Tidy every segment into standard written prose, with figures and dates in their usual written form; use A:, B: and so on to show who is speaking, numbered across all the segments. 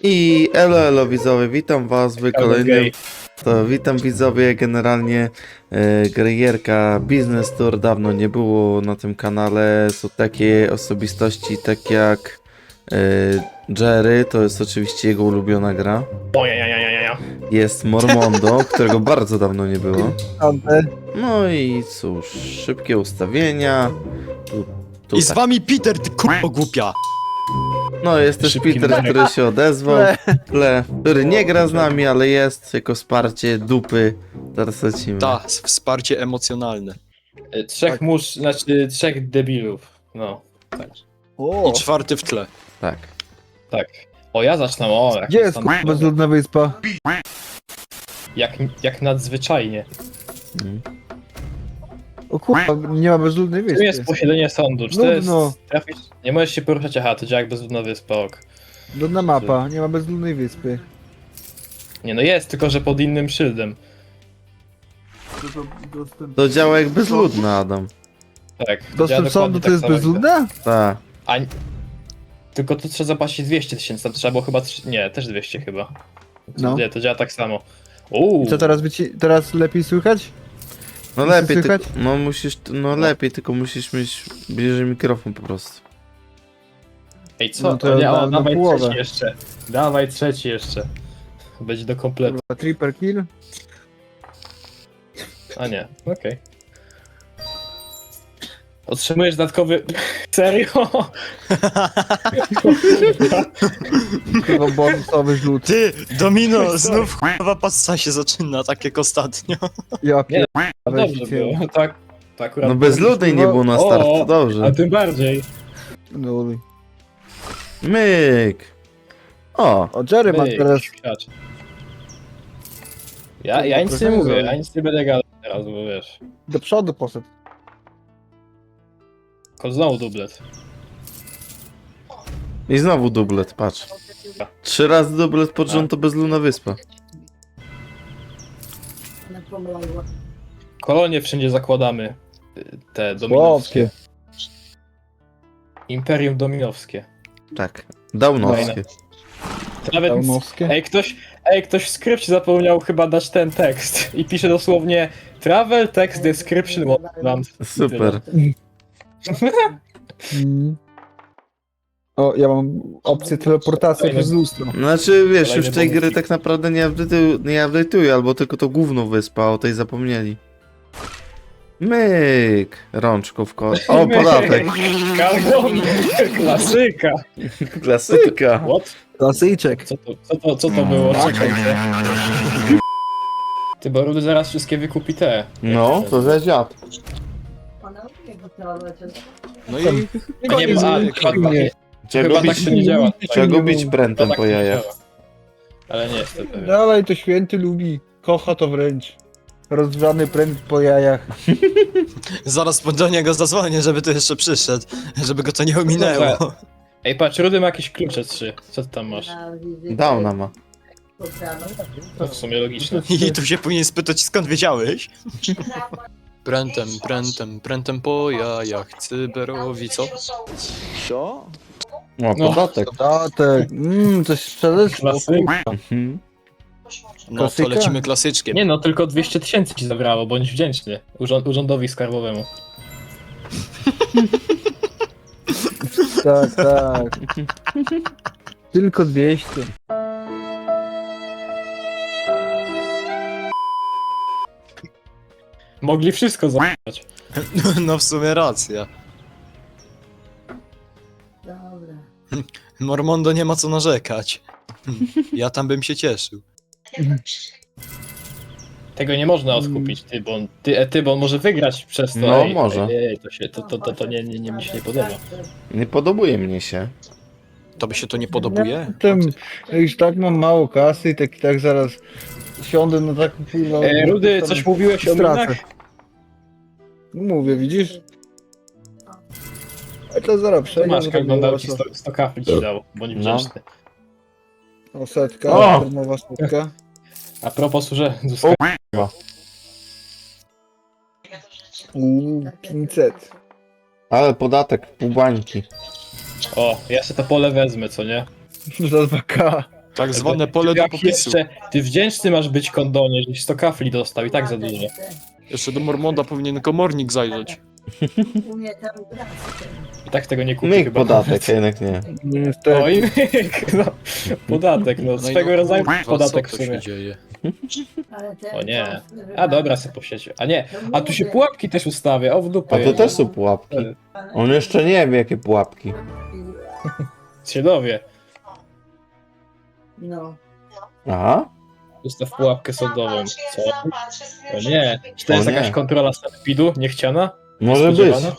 A: I elo widzowie, witam was w kolejnym... witam widzowie, generalnie gierka Business Tour dawno nie było na tym kanale. Są takie osobistości tak jak Jerry, to jest oczywiście jego ulubiona gra. Jest Mormondo, którego bardzo dawno nie było. No i cóż, szybkie ustawienia.
B: I z wami Peter, ty k***o głupia!
A: No jest też Peter, który się odezwał, który nie gra z nami, ale jest jako wsparcie dupy. Teraz lecimy.
B: Tak, wsparcie emocjonalne.
C: Trzech mórz, znaczy trzech debilów. No, tak.
B: I czwarty w tle.
A: Tak.
C: Tak. O, ja zacznę, o.
D: Gdzie jest kurwa bezludna wyspa?
C: Jak nadzwyczajnie.
D: O kurwa, nie ma bezludnej
C: Tu jest
D: wyspy.
C: posiedzenie sądu. Czy to jest...
D: Nudno.
C: Trafisz... Nie możesz się poruszać, aha, to działa jak bezludna wyspa, ok.
D: Ludna mapa, nie ma bezludnej wyspy.
C: Nie no jest, tylko że pod innym szyldem.
A: To działa jak bezludna, Adam.
C: Tak. działa
D: Dostęp
C: dokładnie
D: sądu to
C: tak
D: jest
C: samo jak
D: bezludna?
A: Tak.
C: Tylko tu trzeba zapłacić 200 000, tam trzeba było chyba... Nie, też 200 chyba.
D: No.
C: Nie, to działa tak samo.
D: I co teraz teraz lepiej słychać?
A: No
D: Musisz
A: lepiej,
D: słychać?
A: no musisz, no lepiej, tylko musisz mieć bliżej mikrofon po prostu.
C: Ej, co?
D: No to
C: nie,
D: na
C: dawaj
D: połowę.
C: trzeci jeszcze. Dawaj trzeci jeszcze. Będzie do kompletu.
D: Kurwa, triple kill?
C: A nie, okej. Otrzymujesz dodatkowy... Serio?
D: Kurwa, bonusowy rzut.
B: Ty, Domino, znów k***wa passa się zaczyna, tak jak ostatnio.
D: Ja
C: Nie,
D: pierdolę,
C: Dobrze było, tak. To akurat...
A: No bezludnej nie było na start, to
C: A
A: dobrze.
C: tym bardziej.
D: no.
A: Myk. O,
D: O, Jerry ma
C: Myk,
D: teraz...
C: siać. Ja nic nie mówię, ja nic nie będę gadał teraz, bo wiesz.
D: Do przodu poszedł.
C: Znowu dublet.
A: i znowu dublet, patrz. 3 razy dublet pod rząd to bezludna wyspa.
C: Kolonie wszędzie zakładamy. Te dominowskie.
D: Chłopie.
C: Imperium dominowskie.
A: Tak. Daunowskie.
C: Nawet...
D: Daunowskie?
C: Ktoś w skrypcie zapomniał chyba dać ten tekst i pisze dosłownie Travel text description Wonderland.
A: Super.
D: Mm. O, ja mam opcję teleportacji przez lustro.
A: Znaczy, wiesz,
C: Kolejny
A: już tej
C: bonus.
A: gry tak naprawdę nie update'uję, albo tylko to główną wyspa, o tej zapomnieli. Myk! Rączką w ko... O, podatek!
C: Karbon! Klasyka!
A: Klasyka!
C: What?
D: Klasyczek.
C: Co to było? Czekajcie. Ty, bo Rudy zaraz wszystkie wykupi te.
A: No, to za dziad.
B: No i...
C: A nie,
A: Trzeba
C: chyba
A: go
C: tak
A: bić,
C: to nie działa.
A: trzeba go bić prętem
C: Tak
A: po
C: to nie
A: jajach.
C: działa. Ale nie jestem pewien.
D: Dawaj, to święty lubi. Kocha to wręcz. Rozgrzany pręt po jajach.
B: Zaraz do niego zadzwonię, żeby tu jeszcze przyszedł, żeby go to nie ominęło.
C: Ej, patrz, Rudy ma jakieś klucze 3. Co ty tam masz?
A: Downa ma.
C: To w sumie logiczne.
B: I tu się powinien spytać, skąd wiedziałeś? Prętem po jajach, cyberowi, co?
A: O, podatek.
D: Datek. Coś sprzedać?
C: Klasyka.
A: Mhm.
B: No to
D: Klasyka?
B: lecimy klasyczkiem.
C: Nie no, tylko 200 000 ci zabrało, bądź wdzięczny urzędowi skarbowemu.
D: Tak, tak. Tylko 200.
C: Mogli wszystko zabrać.
B: No w sumie racja. Mormondo nie ma co narzekać. Ja tam bym się cieszył.
C: Tego nie można odkupić, ty, bo on może wygrać przez to.
A: No, może.
C: Ej, to nie, mi się nie podoba.
A: Nie podobuje mnie się.
B: Tobie się to nie podobuje?
D: Tym, już tak mam mało kasy i tak zaraz siądę na taką chwilę.
C: Rudy, coś mówiłeś o minach?
D: Mówię, widzisz? A to zaraz przejdę.
C: Masz,
D: bo
C: jak
D: to było
C: oglądał ci
D: to.
C: 100 kafli ci dał, bądź wdzięczny.
D: O, setka,
A: O!
D: darmowa setka.
C: A propos urzędu
D: Uuu, 500.
A: Ale podatek, pół bańki.
C: O, ja sobie to pole wezmę, co nie?
D: Za 2K.
B: Tak zwane pole do
C: Jak
B: popisu.
C: ty wdzięczny masz być kondonie, żeś 100 kafli dostał i tak za dużo.
B: Jeszcze do Mormonda powinien komornik zajrzeć.
C: I tak tego nie kupi
A: Myk
C: chyba.
A: podatek, jednak nie.
D: Niestety.
C: Oj, no, podatek, no, swego rodzaju podatek w
B: co się
C: sumie.
B: dzieje?
C: O nie. A dobra, se po sieci. A nie, a tu się pułapki też ustawia, o w dupę.
A: A to też są pułapki. On jeszcze nie wie, jakie pułapki.
C: Się dowie.
A: Aha.
C: Ustaw pułapkę sądową. Co? O nie. Czy to jest
A: O nie.
C: jakaś kontrola sanepidu? Niechciana?
A: Może być.
C: Spodziewana?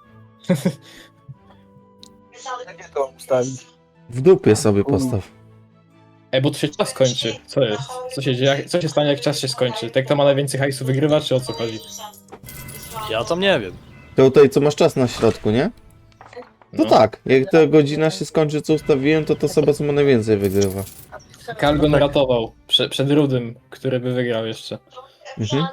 D: Gdzie to ustawić?
A: W dupie sobie postaw.
C: Ej, bo tu się czas kończy. Co jest? Co się dzieje? Co się stanie, jak czas się skończy? Tak kto ma najwięcej hajsu wygrywa, czy o co chodzi?
B: Ja tam nie wiem.
A: Tutaj co masz czas na środku, nie? No
C: No.
A: tak, jak ta godzina się skończy, co ustawiłem, to ta osoba, co ma najwięcej, wygrywa.
C: Kalgon ratował przed Rudym, który by wygrał jeszcze.
A: Mhm.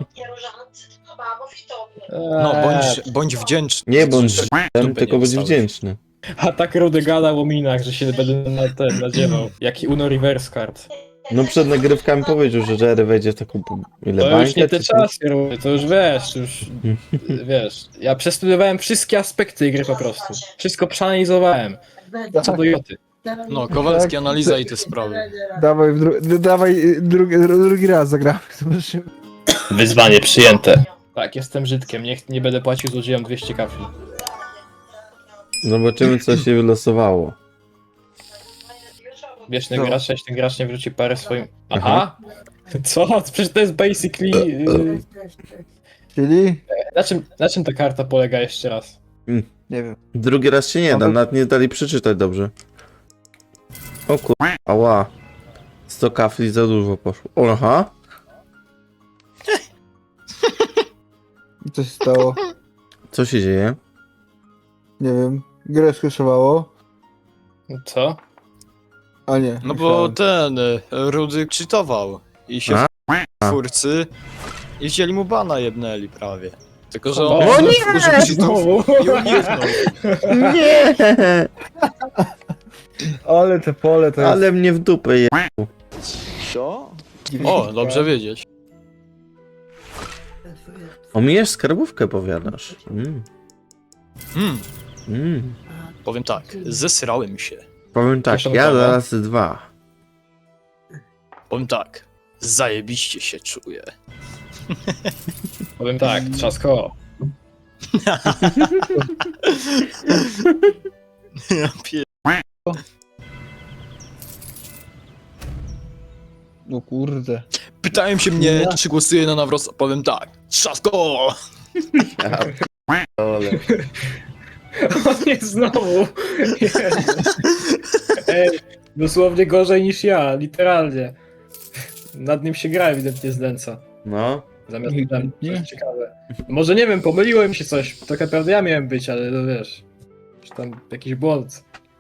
B: No, bądź wdzięczny.
A: Nie bądź
B: Dupę
A: żydem, tylko
B: nie
A: bądź
B: wstałeś.
A: wdzięczny.
C: A tak Rudy gadał o minach, że się będę na ten nadziewał. Jaki Uno reverse card.
A: No przed nagrywkami powiedział, że Jerry wejdzie w taką... Ile
C: To
A: bańkę?
C: już nie te
A: czy coś?
C: czasy, Rudy, to już wiesz, to już wiesz. Ja przestudiowałem wszystkie aspekty gry po prostu. Wszystko przeanalizowałem. Co do joty.
B: No, Kowalski analiza i te sprawy.
D: Dawaj drugi raz zagramy. Zobaczymy.
E: Wyzwanie przyjęte.
C: Tak, jestem Żydkiem, nie będę płacił złodziejom 200 kafli.
A: Zobaczymy, co się wylosowało.
C: Wieczny
D: No.
C: gracz, jeśli ten gracz nie wróci parę swoim... Aha! Co? Przecież to jest basically...
D: Czyli?
C: Na czym ta karta polega jeszcze raz?
D: Nie wiem.
A: Drugi raz się nie da, nawet nie dali przeczytać dobrze. O kur... Ała. 100 kafli za dużo poszło. O, aha.
D: I co się stało?
A: Co się dzieje?
D: Nie wiem. Grę skraszowało?
C: Co?
D: A nie.
B: No bo ten Rudy czytował i się
A: A?
B: twórcy i wzięli mu bana jebnęli prawie. Tylko, że
C: O
B: on
C: nie!
B: użył cheatów
C: Znowu!
B: i uniknął.
A: Nie!
D: Ale te pole to jest...
A: Ale mnie w dupę je...
B: O, dobrze wiedzieć.
A: Omijesz skarbówkę, powiadasz.
B: Hmm,
A: Mm.
B: powiem tak, zesrałem się.
A: Powiem tak, ja
C: Kieszonkowe.
A: zaraz 2.
B: Powiem tak, zajebiście się czuję.
C: Powiem tak, trzasko.
B: Ja pier...
D: No kurde.
B: Pytałem się mnie, czy głosuję na nawrot, powiem tak, trzasko!
A: Ale...
C: O nie, znowu! Ej, dosłownie gorzej niż ja, literalnie. Nad nim się gra ewidentnie znęca.
A: No.
C: Zamiast tam
D: Nie?
C: coś ciekawe. Może nie wiem, pomyliło mi się coś. Tak naprawdę ja miałem być, ale no wiesz. Czy tam jakiś błąd.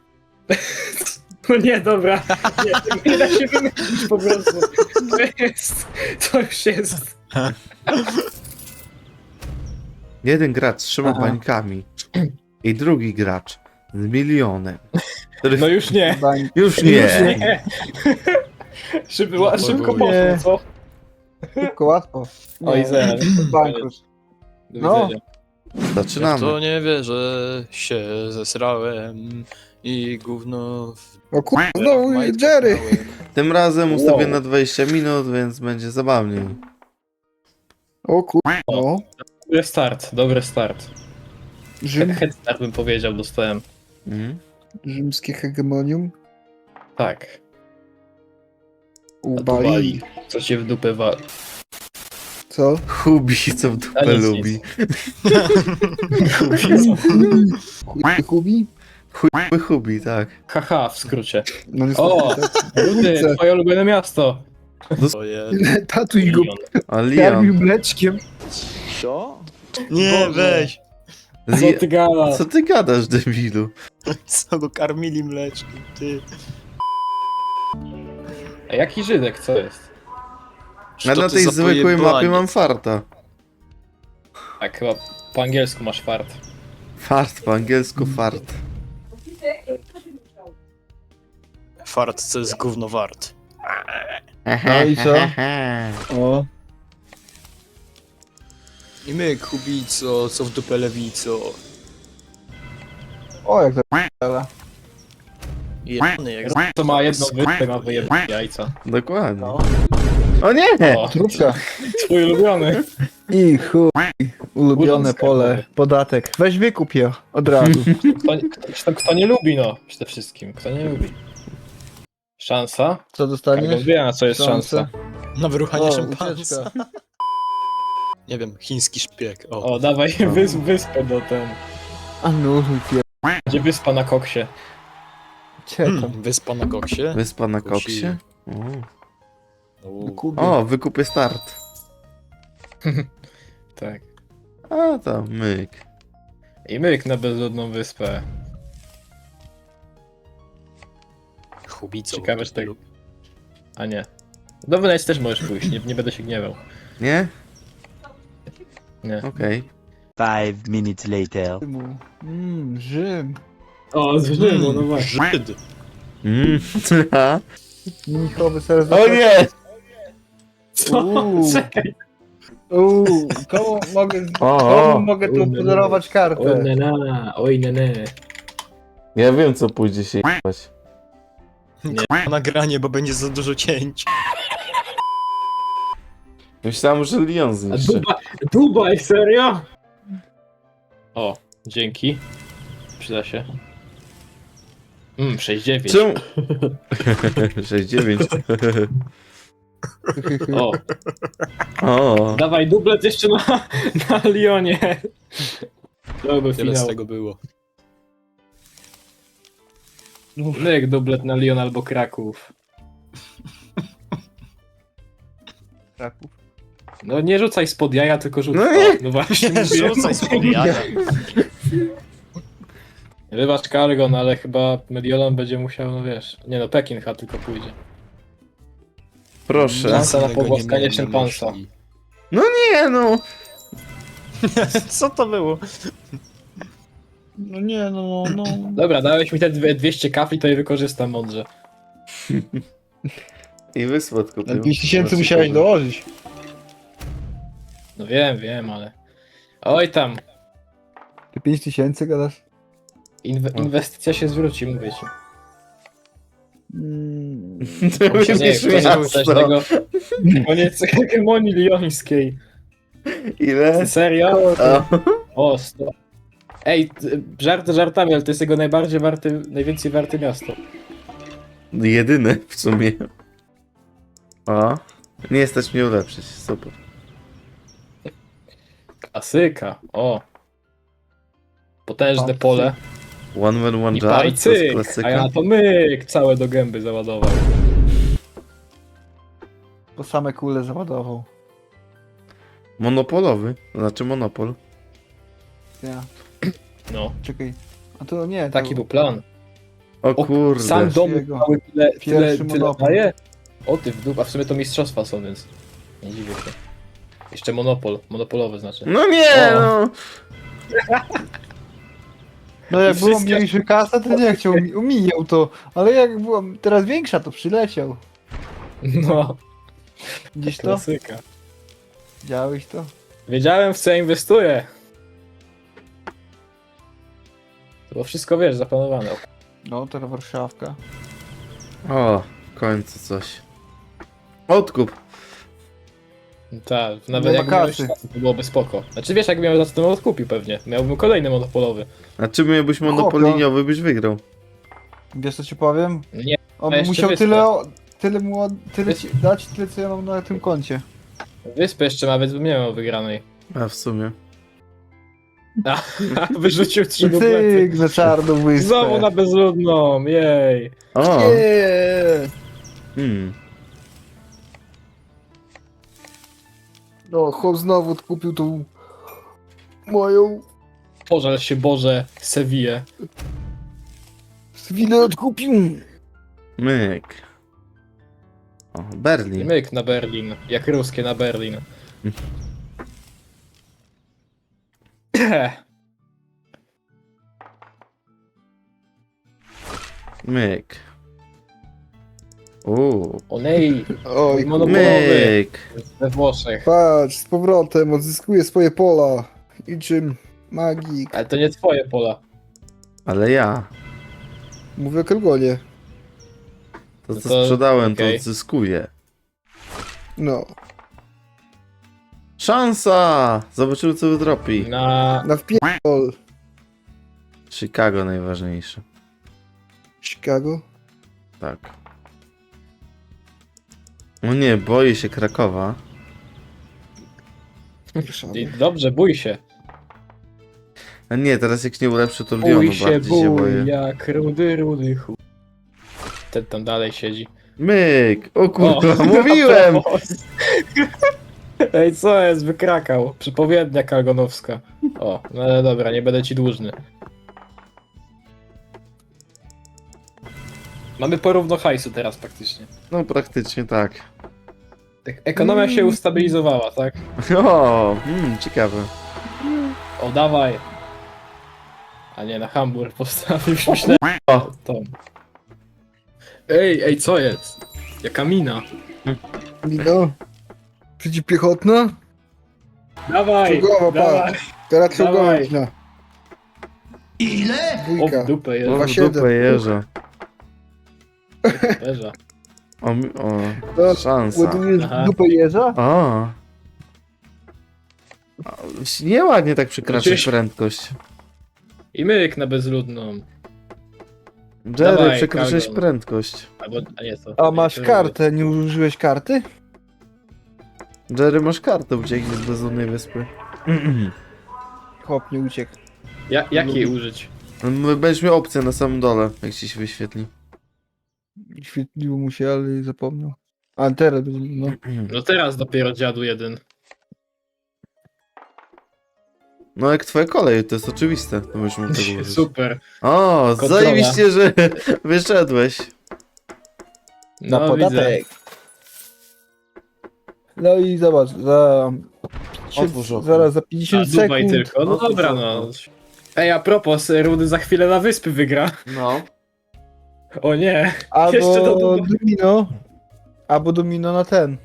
C: No nie, dobra. Nie da się wymyślić po prostu. To już jest.
A: Jeden gracz trzyma
D: Aha.
A: bańkami. I drugi gracz z milionem. Który...
C: No już nie.
D: Bań...
A: Już nie.
C: Nie. Szybko poszło,
D: Nie.
C: co?
D: Szybko, łatwo.
C: Oj, zer.
D: Bankrut.
C: Do
D: No.
C: widzenia.
B: Ja w
A: Zaczynamy.
B: to nie wierzę, się zesrałem i gówno w...
D: O kurde,
B: w
D: znowu
B: majtkach
D: Jerry.
B: miałem.
A: Tym razem ustawię
C: Wow.
A: na 20 minut, więc będzie zabawniej.
D: O kurde. No.
C: Dobry start, dobry start.
D: Rzym,
C: Head start bym powiedział, dostałem.
A: Mhm.
D: rzymskie hegemonium.
C: Tak.
D: U
C: A tu
D: Bali.
C: wali. Co cię w dupę wali.
D: Co?
A: Hubi, co w dupę
C: A nic,
A: lubi.
D: Hubi?
A: Hubi, tak.
C: Haha, w skrócie.
D: No
C: O!
D: niestety.
C: Rudy, twoje ulubione miasto.
B: To je...
D: Tak. Tatuś go
C: Milion.
A: A
D: karmił
A: Leon.
D: mleczkiem.
B: Nie,
C: Boże.
B: weź!
C: Co ty gadasz?
A: Co ty gadasz, debilu?
B: Co go karmili mleczkiem, ty?
C: A jaki Żydek, co jest?
A: A na tej zwykłej mapie mam farta.
C: Tak, chyba po angielsku masz fart.
A: Fart, po angielsku fart.
B: fart, co jest gówno wart.
D: No i co? O,
B: I my, Kubico, co w dupę lewico.
D: o jak to p***a.
B: Jebany jak
C: To ma jedną wyspę, ma wyjebane jajca.
A: Dokładnie.
D: No.
A: O nie!
C: O,
D: Trubka.
C: twój ulubiony.
D: I chuj. Ulubione
C: Urząd
D: pole.
C: skarbowy.
D: Podatek. Weź wykup je od razu.
C: Kto nie lubi, no, przede wszystkim. Kto nie lubi. Szansa?
D: Co
C: Każdy
D: dostaniesz?
C: wie, na co jest szansa.
B: na wyruchanie
D: O,
B: szympansa.
D: ucieczka.
B: Nie wiem, chiński szpieg. O.
C: O, dawaj wyspę do ten.
D: A no, pier...
C: Gdzie wyspa na koksie?
D: Czekam.
B: Wyspa na koksie.
A: Wyspa na
B: Kosi.
A: koksie?
D: Kupię.
A: O, wykupie start.
C: Tak.
A: A tam, myk.
C: I myk na bezludną wyspę.
B: Kubico.
C: Ciekawe, czy tak. A nie. Do Wenecji też możesz pójść, nie będę się gniewał.
A: Nie?
C: Nie.
A: Okej.
F: 5 minutes later.
D: Rzym.
C: O, z Rzymu, no właśnie.
B: Żyd.
A: Mm. Ha?
D: Mnichowy serce.
A: O nie!
C: Co?
D: Uuu.
C: Czekaj.
D: Komu mogę,
A: O,
D: komu
A: o.
D: mogę tu podarować kartę?
C: Oj nene.
A: Ja wiem co pójdzie się jebać.
B: Nagranie, bo będzie za dużo cięć.
A: Myślałem, że Lyon zniszczy.
C: Dubaj, serio? O, dzięki. Przyda się. 6-9.
A: Czemu? 6-9.
C: O,
A: O,
C: dawaj dublet jeszcze na Lyonie. To był
B: Tyle z
C: finał.
B: tego było.
C: Myk dublet na Lyon albo Kraków.
D: Kraków.
C: No nie rzucaj spod jaja, tylko rzucaj.
A: No nie.
C: No właśnie,
B: Nie
C: mówiłem.
B: rzucaj spod jaja.
C: Wybacz Kargon, ale chyba Mediolan będzie musiał, no wiesz. Nie no, Pekin chyba tylko pójdzie.
A: proszę.
C: Szansa na
B: Tego nie
C: pogłaskanie
B: miałem na
C: szympansa.
B: myśli.
A: Nie no.
B: Co to było?
D: No nie, no.
C: Dobra, dałeś mi te 200 kafli, to je wykorzystam mądrze.
A: I wysłat kupił.
D: Na 5000 musiałeś dołożyć.
C: No wiem, ale... Oj tam,
D: Ty 5000 gadasz?
C: inwestycja się zwróci, mówię ci.
A: To
C: Nie,
A: będziesz
C: ktoś
A: miasto.
C: tego... Koniec hegemonii liońskiej.
A: Ile?
C: Serio?
A: O.
C: O, 100. Ej, żarty żartami, ale to jest jego najwięcej warte miasto.
A: Jedyne w sumie. O. Nie stać mnie ulepszyć. Super.
C: Klasyka, o. Potężne pole.
A: One man, one
C: I
A: jar. To jest
C: pajcyk, a ja
A: klasyka.
C: na to myk całe do gęby załadował.
D: Po same kule załadował.
A: Monopolowy. To znaczy monopol.
D: Ja.
C: No,
D: Czekaj. A to nie, to...
C: taki był plan.
A: O
C: O,
A: kurde.
C: Sam dom
D: Jego.
C: cały tyle
D: Pierwszy monopol.
C: daje? O ty w dół, a w sumie to mistrzostwa są, więc nie dziwię się. Jeszcze monopolowy znaczy.
A: No nie
C: O.
A: no.
D: No jak było
C: Wszystko-
D: mniejszy kasa, to nie chciał, omijał to. Ale jak była teraz większa, to przyleciał.
C: No,
D: Gdzieś to?
C: klasyka.
D: Widziałeś to?
C: Wiedziałem w co ja inwestuję. To było wszystko, wiesz, zaplanowane. O,
D: No, teraz Warszawka.
A: O, w końcu coś. Odkup.
C: tak,
D: Nie
C: nawet
D: ma
C: jak miałeś
D: kasy.
C: kasy, to byłoby spoko. Znaczy wiesz, jak miał za to odkupił pewnie. Miałbym kolejny monopolowy.
A: A czy miałbyś monopoliniowy, byś wygrał?
D: Wiesz co ci powiem?
C: Nie,
D: On
C: a jeszcze
D: musiał
C: wyspę.
D: tyle ci dać, tyle co ja mam na tym koncie.
C: wyspę jeszcze ma, więc bym nie miał wygranej.
A: A w sumie.
C: Wyrzucił 3 duplety.
D: Cyk, na czarną wyspę.
C: Znowu na bezludną, jej.
A: O!
D: Nie. No, chłop znowu odkupił tą moją
C: Pożal się Boże, Sevillę.
D: Swinę odkupił.
A: Myk. O, Berlin.
C: Myk na Berlin, jak ruskie na Berlin.
A: Myk.
C: Olej,
D: Oj,
C: monopolowy
A: Myk!
C: we Włoszech.
D: patrz, z powrotem odzyskuję swoje pola. I czym magik.
C: Ale to nie twoje pola.
A: Ale ja.
D: Mówię o Kelgonie.
A: To
C: No
A: co
C: to
A: sprzedałem,
C: okej.
A: to odzyskuję.
D: No,
A: Szansa! Zobaczymy co wydropi.
C: Na...
D: wpierdol.
A: Chicago najważniejsze.
D: Chicago.
A: Tak. O nie, boję się Krakowa.
D: Warszawa.
C: Dobrze, bój się.
A: A nie, teraz jak nie ulepszę to Lyonu
C: Bój
A: bardziej
C: się,
A: się
C: bój,
A: boję.
C: jak rudy chuj. Ten tam dalej siedzi.
A: Myk! O
C: O,
A: kurwa, mówiłem!
C: Ej, co jest? Wykrakał. Przepowiednia kalgonowska. O, no ale dobra, nie będę ci dłużny. Mamy porówno hajsu teraz praktycznie.
A: No praktycznie tak.
C: Ekonomia się ustabilizowała, tak?
A: O, ciekawe.
C: O, dawaj. A nie, na Hamburg postawił, już myślałem.
A: O.
C: To. Ej, co jest? Jaka mina?
D: Mino. Przeciwpiechotna?
C: Dawaj!
D: Czołgowa,
C: Dawaj!
D: Teraz
C: Dawaj.
D: czołgowa.
C: O,
D: Dwójka.
C: w dupę
A: O,
C: jest.
A: w
D: 2,7.
A: dupę jeża.
C: Leża.
A: O, szansa.
D: Ładujesz
C: Aha.
D: dupę jeża?
A: O. Nieładnie tak przekraczać
C: Przecież-
A: prędkość.
C: I myk na bezludną.
A: Jerry,
C: Dawaj,
A: przekroczyłeś
C: Kalgon.
A: prędkość.
C: Albo, a nie to.
D: A masz kartę, nie użyłeś karty?
A: Jerry, masz kartę, ucieknij z bezludnej wyspy.
D: Chłop nie uciekł.
C: Jak jej użyć?
A: Będziesz miał opcję na samym dole, jak ci się wyświetli.
D: Świetliło mu się, ale zapomniał. A teraz, no.
C: No teraz dopiero dziadu jeden.
A: No jak twoja kolej, to jest oczywiste, to już mógł tego użyć.
C: Super.
A: O,
C: Kontrola.
A: zajebiście, że wyszedłeś.
D: Na
C: No,
D: podatek. No i zobacz, za...
A: Otwórz okno.
D: Zaraz za
C: A
D: 50
C: Dubaj
D: sekund.
C: tylko. No
A: Otwórz
C: dobra,
A: okno.
C: no. Ej, a propos, Rudy za chwilę na wyspy wygra.
A: No.
C: O nie. Jeszcze do
D: Albo
C: Dubai.
D: domino. Albo domino na ten.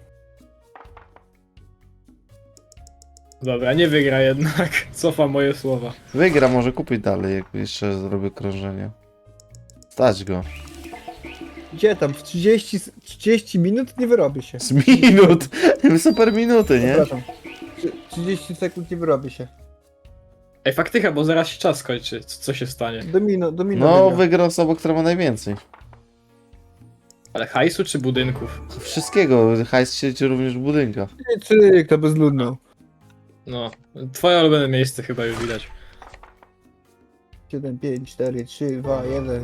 C: Dobra, nie wygra jednak. Cofam moje słowa.
A: Wygra, może kupić dalej, jak jeszcze zrobię krążenie. Stać go.
D: Gdzie tam? W 30 minut nie wyrobi się.
A: Z minut! Super minuty, nie?
D: Przepraszam. 30 sekund nie wyrobi się.
C: Ej, faktycha, bo zaraz się czas skończy. Co się stanie?
D: Domino
A: No,
D: wygra.
A: wygra osoba, która ma najwięcej.
C: Ale hajsu czy budynków?
A: Wszystkiego, hajs siedzi również w budynkach.
D: Cyk, to bezludno.
C: No, twoje ulubione miejsce chyba już widać.
D: 7, 5, 4, 3, 2, 1.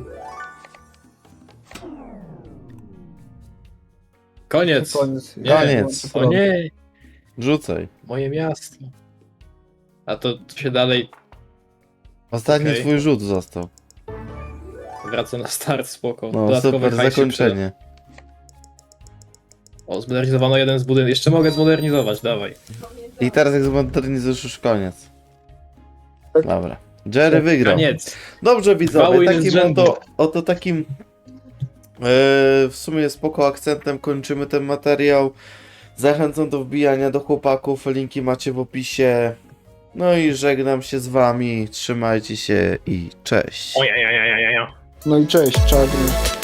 C: Koniec.
D: Koniec.
C: Nie.
A: Koniec.
C: O nie,
A: Rzucaj.
C: moje miasto. A to się dalej
A: Ostatni
C: Okej.
A: twój rzut został.
C: wraca na start, spoko.
A: No,
C: Dodatkowy
A: super
C: hajs się
A: zakończenie.
C: przyda. O, zmodernizowano jeden z budynków. Jeszcze mogę zmodernizować, dawaj.
A: I teraz jak zmodernizujesz już koniec. Dobra. Jerry wygrał.
C: Koniec.
A: Dobrze
C: Dwa
A: widzowie,
C: winy z
A: takim
C: rzędu.
A: oto takim w sumie spoko akcentem kończymy ten materiał. Zachęcam do wbijania do chłopaków, linki macie w opisie. No i żegnam się z wami, trzymajcie się i cześć.
C: Ojej.
D: No i cześć, czarny.